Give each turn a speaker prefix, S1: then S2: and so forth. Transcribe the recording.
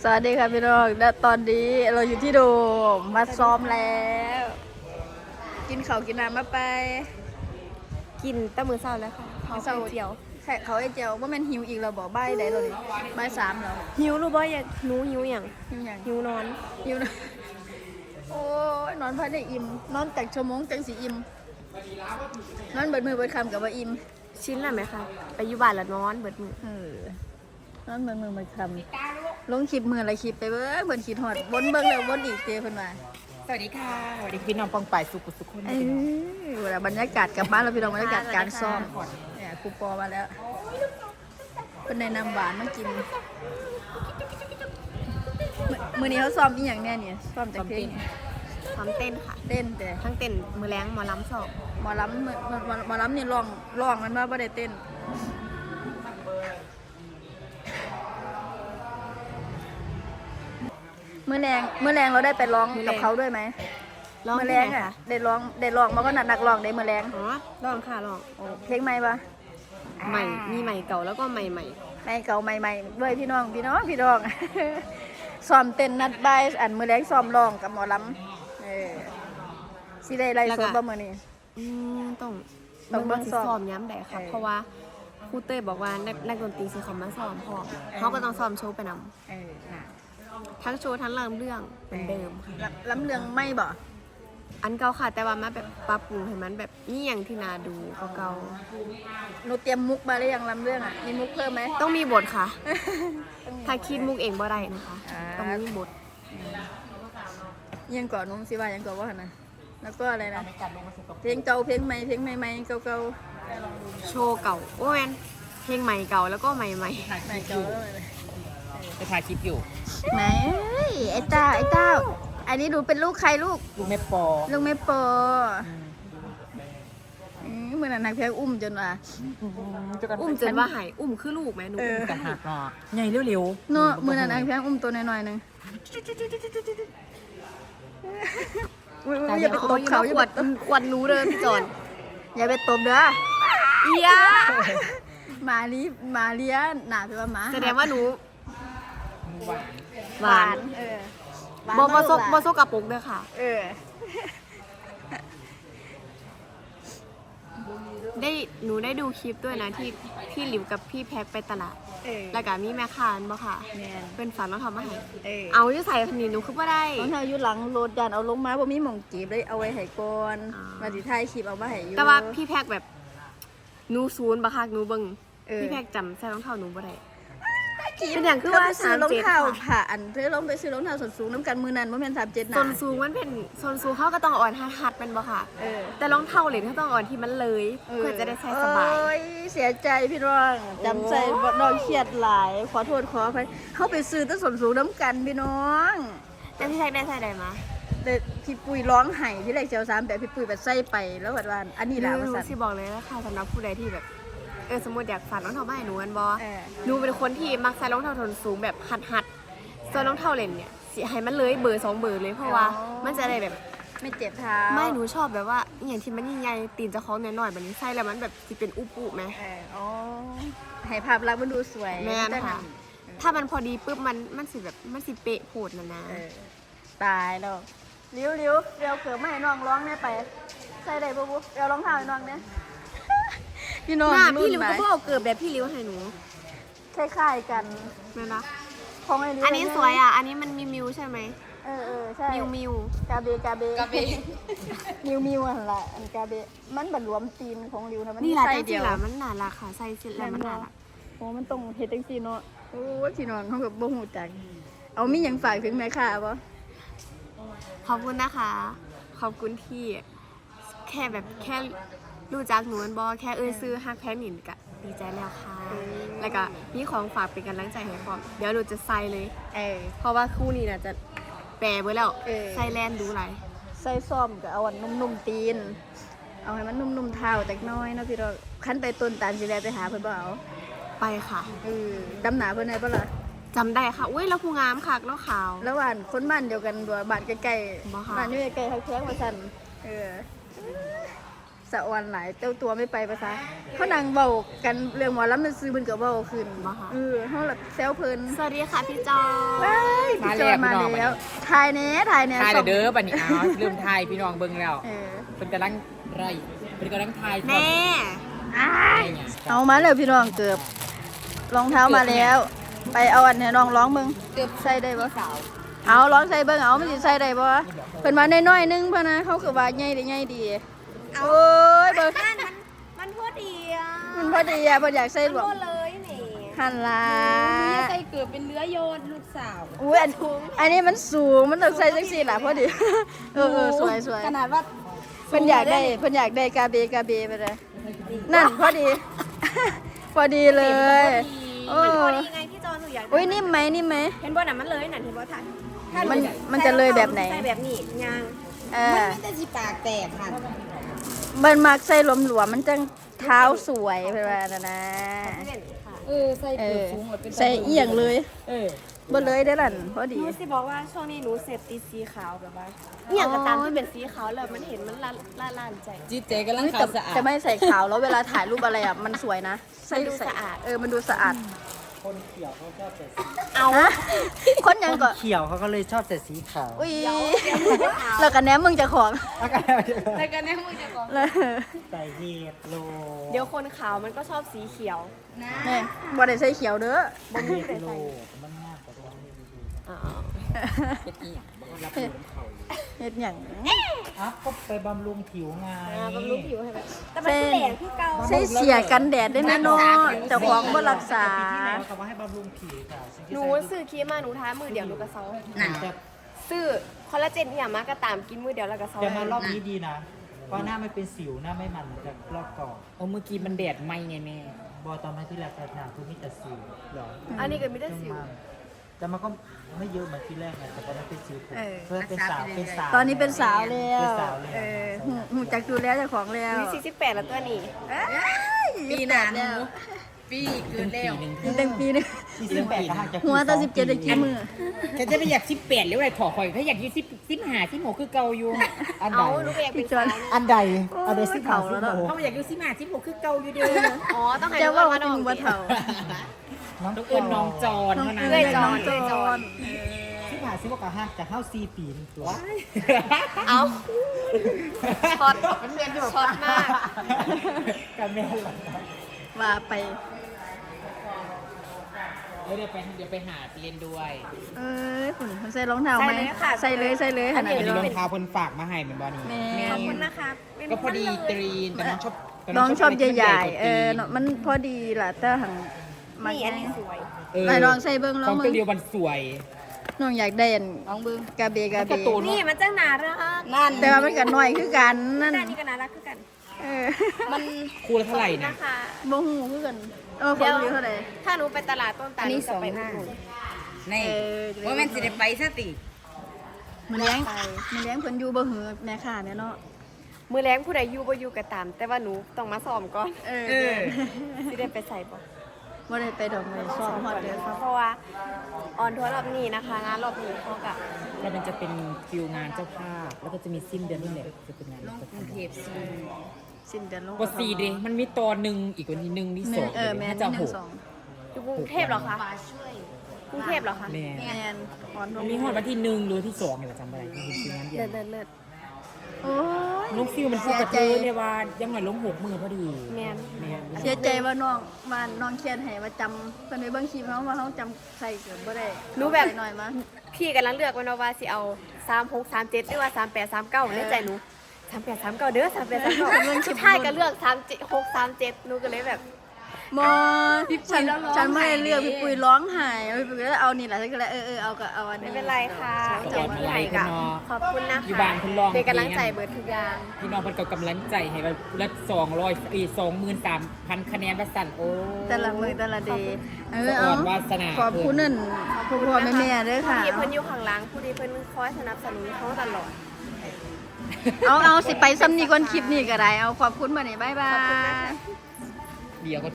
S1: วัสดีค่ะพี่น้องและตอนนี้เราอยู่ที่โดมมาซ้อมแล้ว กินข้าวกินน้ำมาไป
S2: กินแต่มื้อเช้าแล้วค่ะเขาวเจียว
S1: แค่เขาไอ้เจียวว่ามันหิวอีกเราบอกใบได้เลยใบสามแล้ว
S2: หิวรู้บ่อยากหนูหิวอย่าง
S1: หิวอย่าง
S2: หิวนอน
S1: หิวนะโอ้ยนอนพักได้อิ่มนอนจากชั่วโมงจังสีอิ่มนอนเบิดมือเบิดคำกับว่าอิ่ม
S2: ชิ้นละไหมคะไปอยู่บ้านละนอนเบิดมื้อ
S1: นอนเบิดมือเบิดคำลงคลิปมืออะไรคลิปไปเบิ้งเบิดขีดหอดวนเบิ้งแล้ววนอีกเจเพิ่นมา
S3: สวัสดีค่ะสวัสดีพี่น้องปองป่ายสุขุสุขคน
S1: เวลาบรรยากาศกลับบ้านเราพี่น้องบรรยากาศการซ้อมเนี่ยครูปอมาแล้วเป็นในนำหวานมากินมื้อนี้เขาซ้อมอีหยังแน่เนี่ยซ้อมจากเพลง
S2: พร้อมเต้นค่ะ
S1: เต้นแต่
S2: ทั้งเต้นมื้อแรงหมอลำสอบ
S1: หมอลำหมอลำนี่ร้องมันว่าบ่ได้เต้นมื้อแรงเราได้ไปร้องกับเขาด้วยไหม
S2: ร้อง
S1: มื้อ
S2: เพ
S1: แร
S2: ล
S1: ง
S2: ง
S1: อ่ะ
S2: ค่ะ
S1: ได้ร้องมันก็นักร้องได้มื้อแรง
S2: อ๋อร้องค่ะร้อง
S1: โอ้เพลงใหม่ปะ
S2: ใหม่มีใหม่เก่าแล้วก็ใหม่
S1: ใหม่เก่าใหม่ด้วยพี่น้อง ซ้อมเต้นนัดบ่ายอันมื้อแรงซ้อมร้องกับหมอลำสิได้ไล่สดบ่มื้อนี้
S2: ต้อง
S1: ต้องเบิ่ง
S2: สิ
S1: ซ้อม
S2: ซ้อมย้ำใดค่ะเพราะว่าครูเต้ยบอกว่านักดนตรีสิเขามาซ้อมพร้อมเขาก็ต้องซ้อมโชว์ไปนำ
S1: น่ะ
S2: ทั้งโชว์ทั้งเรื่องเหมือนเดิมค่ะ
S1: ลำเรื่องไม่บ่
S2: อันเก่าค่ะแต่ว่ามาแบบปรับปรุงให้มันแบบนี่อย่างที่น่าดูเก่า
S1: หนูเตรียมมุกมาหรือยังลำเรื่องอ่ะมีมุกเพิ่มไหม
S2: ๆต้องมีบทค่ะ ถ้าคิดมุกเองบ่ได้นะคะ
S1: อ่า
S2: ต้องมีบท
S1: ยังก่อนนุ่มสิว่ายังก่อนว่าหั่นน่ะแล้วก็อะไรนะเพลงเก่าเพลงใหม่เก่า
S2: โชว์เก่าโอ้ยนเพลงใหม่เก่าแล้วก็ใหม่
S1: ใหม่เก่าแล้วเลย
S3: จะถ่ายคลิปอยู่
S1: ไหนไอ้เต้าอันนี้ดูเป็นลูกใครลูก
S3: ดูแม่ปอ
S1: ลูกแม่ปอเหมือนนักเพลงอุ้มจนว่า
S2: ๆอุ้มจนว่าหายอุ้มคือลูกไหมหนู
S3: กันหักเนาะใหญ่เร็ว
S1: เนาะเหมือนนักเพลงอุ้มตัวน้อยๆนึงอย่าไปตบเขา
S2: ขวดหนูเดินพี่จอน
S1: อย่าไปตบเด้อ
S2: เอีย
S1: มาเลียหนาไปว่าหมา
S2: แสดงว่าหนู
S1: หวาน
S2: บอซกกระปุกเด้อค่ะ หนูได้ดูคลิปด้วยนะที่พี่หลิวกับพี่แพ็คไปตลาด แล้วก็มีแม่ค้าบ่ค่ะ เป็นฝันต้องทำมาให้เอาอยู่ใส่พันนี้หนูคือว่าได้
S1: ของเธออยู่หลังรถยันเอาลงมาบ่มีหม่องจีบเลยเอาไว้ให้ก่อน
S2: อ่าม
S1: มาสิถ่ายคลิปเอามาให้อยู่
S2: แต่ว่าพี่แพ็คแบบหนูศูนย์บ่ค่ะหนูเบิ่ง
S1: เออ
S2: พี่แพ็คจำใส่รองเท้าหนูบ่ได้
S1: คลิป
S2: เป็นอย่างคือ
S1: ธไป
S2: ว่า
S1: ซื้อรองเท้า
S2: 37
S1: ผ่าอันเธอลงไปซื้อรองเท้าส้นสูงน้ำกันมือนั้นบ่แม่น37
S2: ส่วน
S1: นะ
S2: สูงมันเป็นส่วนสูงเขาก็ต้องอ่อนหัดๆเป็นบ่ค่ะ แต่รองเท้าเหล็กเขาต้องอ่อนที่มันเลยเพื่อจะได้ใส่สบาย
S1: โอ้ยเสียใจพี่น้องจำใจบ่น้องเครียดหลายขอโทษขออภัยเฮาไปซื้อแต่ส้นสูงน้ำกันพี่น้อง
S2: แต่พี่แพ็คได้ใส่ได้มา
S1: แต่พี่ปุ้ยร้องไห้ที่แรกเจ้า3แบบพี่ปุ้ยแบบใส่ไปแล้วว่าอันนี้ล่ะว่า
S2: หนู
S1: ซั่น
S2: สิบอกเลยนะคะสำหรับผู้ใดที่แบบสมมติอยากฝากรองเท้ามาให้หนูกันบอ
S1: เออ
S2: หนูเป็นคนที่มักใส่รองเท้าส้นสูงแบบหัดส่วนรองเท้าเล่นเนี่ยสิให้มันเลยเบอร์2เบอร์เลยเพราะว่ามันจะได้แบบ
S1: ไม่เจ็บเท้า
S2: ไม่หนูชอบแบบว่าอหย่างที่มันใหญ่ๆตีนเจะคล้าของหน่อยๆแบบนี้ใส่แล้วมันแบบสิเป็นอุปุไหม
S1: อ๋อให้ภาพลักษณ์มันดูสวย
S2: แม่นค่ะ ถ้ามันพอดีปุ๊บมันสิแบบมันสิเป๊ะโผดนะ
S1: ตายแล้วเลี้ยวเดี๋ยวเขือไม่ให้น้องร้องแน่ไป ใส่ได้ปุ๊บเดี๋ยวรองเท้าให้น้องเนี่ย พี่น้อง
S2: หน้า
S1: รุ่
S2: พี่
S1: น
S2: ริว
S1: ไหม
S2: ก็เพิ่งเอาเกิดแบบพี่ริวให้หนู
S1: คล้ายๆกัน
S2: แม่นปะ
S1: ของไอ้ลิ้ว
S2: อันนี้สวยอ่ะอันนี้มันมีมิวใช่ไหม
S1: ใช่
S2: มิว
S1: กาเบมิวอะไรอันกาเบมันบัดรวมตีนของริวนะมัน
S2: นี่แหละ
S1: ใส่
S2: จริ
S1: เดี
S2: ง
S1: ยว
S2: ๆล่ะมันน่ารักค่ะใส่เสร็จแล้วมันน่ารัก
S1: โอ้มันต้องเฮ็ดจังซี่เนาะโอ้ยพี่น้องเขากับบ่ฮู้จักเอามีหยังฝากถึงแม่ค้าบ่
S2: ขอบคุณนะคะ ขอบคุณที่แค่รู้จักหนูบอแค่ซื้อฮักแพ้หนินกะดีใจแล้วค่ะ แล้วก็มีของฝากเป็นกำลังใจให้พร้อมเดี๋ยวหนูจะใส่เลย เพราะว่าคู่นี้น่ะจะแปรไว้แล้วใส่แลนดูไร
S1: ใส่ซ่อมก็เอาอันนุ่มๆตีน เอาให้มันนุ่มๆเท้าจักหน้อยเนาะพี่น้องคันไปต้นตาลสิแลไปหาเพิ่นบ่เอา
S2: ไปค่ะ
S1: ดำหนาเพิ่นได้บ่ล่ะ
S2: จำได้ค่ะอุ้ยแล้วผู้งามค่ะแล้วขาว
S1: แล้วบ้านคนบ้านเดียวกันบ่บ้านใกล้
S2: บ่ค่ะ
S1: ๆบ้านอยู่ใกล้ๆทักแท้งว่าซั่นสะออนหลายเจ้าตัวไม่ไปภาษาเขานั่งเว้ากันเรื่องหมอลำมันซื้อเพิ่นก็เว้าขึ้นเฮาล่ะแซวเพิ่น
S2: สวัสดีค่ะพี่จอ
S1: ว้าย
S3: มา
S1: จ
S3: แล้
S1: อ
S3: วน
S1: มา
S3: พี่น้อง
S1: แล้วทายเนี้ยทายเนี้ย
S3: ทาย
S1: ส่ง
S3: เด้อบัดนี้เอาลืมทายพี่น้องเบิ่งแล้ว
S1: เออ
S3: เป็นกำลังไรเป็นกำลังทาย
S2: แม่
S1: อ้ายเอามาเลยพี่น้องเกือบรองเท้ามาแล้ว ไปเอาอันให้น้องร้องมึงเกือบใส่ได้บ่เอาร้องใส่เบิ่งเอามันสิใส่ได้บ่เพิ่นมาน้อยๆนึงพะนะเขาคือว่าใหญ่ได้ใหญ่ดีโอ้ยเบิ่ง
S2: มันพอดีอ่ะ
S1: มันพอดีอ่ะเพิ่นอยากใส่หลวม
S2: พอเลยนี่
S1: หันล่ะ
S2: ใส่เกือบเป็นเนื้อโยนลูกสาว
S1: อุ้ยอันนี้มันสูงมันต้องใส่จังซี่ล่ะพอดีเออสวย
S2: ขนาดว่า
S1: เพิ่นอยากได้กาเบไปเลยนั่นพอดี พอดีเลยโอ้
S2: พอดีไงพี่จอนหนูอยากได้
S1: อุ้ยนิ่มไหมนิ่มไหม
S2: เห็นบ่น่ะมันเลยน่ะเห็นบ่ทัน
S1: มันจะเลยแบบไหน
S2: ใส่แบบนี้ยาง
S1: เออ
S2: มันจะสิปากแตกค่ะ
S1: มันมักใส่หลวมๆมันจังเท้าสวยเพิ่นว่านะนะ
S2: ใส่
S1: เอ
S2: เกือบ
S1: อ
S2: สูงหมดเป็น
S1: ใส่เอียงเลย
S3: เออ
S1: บ่เลยได้อล่ะพอ
S2: ห
S1: ดี
S2: นูสิบอกว่าช่วงนี้หนูเสพติดสีขาวแบบว่าเนี่ยก็ตามที่เป็นสีขาวเลยมันเห็นมันล่านใจ
S3: จีเจกำลัง
S1: เฮ้ย
S3: ขาวสะอาด
S1: แต่ไม่ใส่ขาวแล้วเวลาถ่ายรูปอะไรอ่ะมันสวยนะใส่
S2: มันดูสะอาด
S1: มันดูสะอาด
S2: เอา
S1: ฮะคนยังก็
S4: เขียวเขาก็เลยชอบแต่สีขาว
S1: อุ้ยแล้วกันแหนมมึงจะของ
S2: แล้วกันแน่มึงจะบอก
S1: แล้ว
S4: ใส่เห็ดโล
S2: เดี๋ยวคนขาวมันก็ชอบสีเขียว
S1: นี่บ่ได้ใส่เขียวเด้อ
S4: เห็ดโลมันง่ายกว่าตรงนี้ดู
S3: เป็นอีหยังบ่รับรู้น้ำเขาอยู่
S1: เฮ็ดหยัง
S4: อ่ะก็ไปบำรุงผิวไง
S2: บำรุงผิวให้แบบแต่มันแหลงที่เก่า
S1: ใส่เสียกันแดดได้แน่นอนเจ้าของบ่รักษา
S4: ปีที่แล้วเขาว่าให้บำรุงผิวค่ะสิ่งที่
S2: หนู
S4: ใส่
S2: ซื้อครีมมาหนูทามือเดียวหนูก็เซา
S3: นั่น
S4: แต่
S2: ซื้อคอลลาเจนที่อย่างมากก็ตามกินมือเดียวแล้วก็เซา
S4: แต่มารอบนี้ดีนะเพราะหน้าไม่เป็นสิวหน้าไม่มันเหมือนกับรอบก่อน
S3: โอ้เมื่อกี้มันแดดไหมไงแม่
S4: บอตอนนั้นที่แรกแต่หนาคือมีแต่สิวหรอ
S2: อันนี้ก็มีแต่สิว
S4: แต่มันก็ไม่เยอะเหมือนที่แรกไงแต่ตอนนั้นเป็นสิวผม
S1: เออ
S4: เพื่อเป็นสาว
S1: ตอนนี้เป็นสาวแล้ว
S4: เป็นสาวแล้ว
S1: หูจักดูแลเจ้าของแล้ว
S2: มี48แล้วตัวนี้
S1: ปีหน้าแล้ว
S3: ปีเกินแล้ว
S1: ยังเต็มปีนึง
S4: 48ก็ห่างจาก
S1: หัวตา17ได้กี่มือ
S3: แกจะไปอยาก18หรืออะไรถอข่อยถ้าอยากอยู่15 16คือเก่าอยู่
S4: อันใด
S2: เอาหนูก็อยากเป็นสาว
S4: อันใด
S1: โอ้ย
S4: อันใดสิ
S1: เฒ่าแล้วเนอะ
S3: เขาอยากอยู่15 16คือเก่าอยู่เด้อ
S2: อ๋อต้องให้
S1: จะ
S2: หนู
S1: ว่า
S2: มา
S1: เป็น
S2: น้อง
S1: หัวเฒ่า
S4: น้อง
S3: ต้องเอิ้นน้องจอน
S1: น้อง
S3: เท่านั้น
S1: เอ้ยน้องจอน
S4: ที่ผ่านซิบอกกับห้างจากเข้า4 ปีนี่ตัว
S2: เอาช็อตช็อตมาก
S4: กันแม่หลัง
S1: ว่าไป
S3: เดี๋ยวไปหาเรียนด้วย
S1: เอ้ยคุณใส่รองเท้าไหมใส่เลย
S3: อันนี้
S1: เดี๋ยว
S3: รองเท้าคนฝากมาให้เหมือนบอนี่
S1: แม่
S2: ขอบคุณนะคะเป็น
S3: ก็พอดี
S2: พัน
S3: ต
S2: เลย
S3: รีนแต่น้องชอบแต่
S1: น้องชอบ
S3: ะไรที่มัน
S1: ใหญ่
S3: กว่า
S1: ๆเนาะมันพอดีล่ะแต่หังมัน
S2: นี่อันนี้สวย
S1: ไหนลองใส่เบิ่งล
S3: ข
S1: อ
S3: อง ง
S1: มึ
S3: ตัว
S1: ง
S3: เดียวมันสวย
S1: น้องอยากได้อันลองเบิ่งกาเบ
S3: มันการ์ตูน
S2: นี่มันจังน่ารักนั่น
S1: แต่ว่ามันก็น้อยคือกันนั่น
S2: ด้านนี้ก็น่ารักคือกัน
S1: เออ
S2: มัน
S3: คู่ละเท่าไหร่นะ
S2: นะคะ
S1: บ่ฮู้คือกันของอยู่เท่าใด
S2: ถ้าหนูไปตลาดต้นตาลหนูจะไปอุดหนุน
S3: นี่ว่ามันสิได้ไปซะติ
S1: มันเลี้ยงเพิ่นอยู่บ่หือแม่ค้าแม่เนาะ
S2: มือแรงผู้ใดอยู่บ่อยู่ก็ตาม แต่ว่าหนูต้องมาซ้อมก่อน
S1: เออ
S2: สิได้ไปใส่บ่
S1: บ่ได้ไปดอกไม้ซ้อมฮอดเด้อ
S2: เพราะว่าออนทัวร์รอบนี้นะคะ งานรอบนี้เขาก็
S3: แล้วมันจะเป็นฟิลงานเจ้าภาพ แล้วก็จะมีสิ้นเดือนนี่แหละจะเป็นงานลงกรุงเทพ
S1: สิ้นเดือนลง
S3: ก็4เด้มันมีตอนหนึ่งอีกวันที่1ที่2
S1: แม่น
S3: ถ้าจะหก
S2: อยู่กรุงเทพเหรอคะกรุงเทพเหรอคะ
S3: แม่
S1: แม่นอ่อน
S3: มันมีฮอดวันที่1หรือวันที่2นี่แหละจำบ่ได้ที่เป็นฟิลงานเดียว
S2: เลิศ
S1: โอ้ย
S3: น้องฟิลมันพูดกับเธอเนี่ยว่ายังหน่อยลง6 มือพอดี
S2: แมน
S3: แม่
S1: เสียใจว่าน้องเขียนให้ว่าจำเพิ่นไปเบิ่งคลิปเฮาว่าเฮาจำใส่เกือบบ่ได้
S2: รู้แบบ
S1: หน่อยมั้ง
S2: พี่กำลังเลือกไว้นะว่าสิเอา36 37หรือว่า38 39ในใจหนู38 39เด้อ38 39สุดท้ายก็เลือก37 6 37หนูก็เลยแบบ
S1: บ่ฉันไม่ได้เลือกพี่ปุ้ยร้องไห้พี่ปุ้ยก็เอานี่แหละฉันก็เลยเอาอันนี้
S2: ไม่เป็นไรค่ะอย่างที่ไหนกะขอบคุณนะคะ
S3: อยู่บ้านคุณลอง
S2: เป็นกำลังใจเบิดทุกอย่าง
S3: พี่น้องเพิ่นก็กำลังใจให้ว่าละ23,000 คะแนนว่าสั่นโอ้
S1: แต่ละมือแต่ละเดย์
S3: สะอ่อนวาสนา
S1: ขอบคุณนั่นพ่อแม่เด้อค่ะ
S2: ผู้ที่เพิ่นอยู่ข้างหลังผู้ที่เพิ่นคอยสนับสนุนเขาตลอด
S1: เอาสิไปซ้ำนี่ก่อนคลิปนี้ก็ได้เอาขอบคุณมานี่บ๊ายบาย
S3: เดี๋ยวก็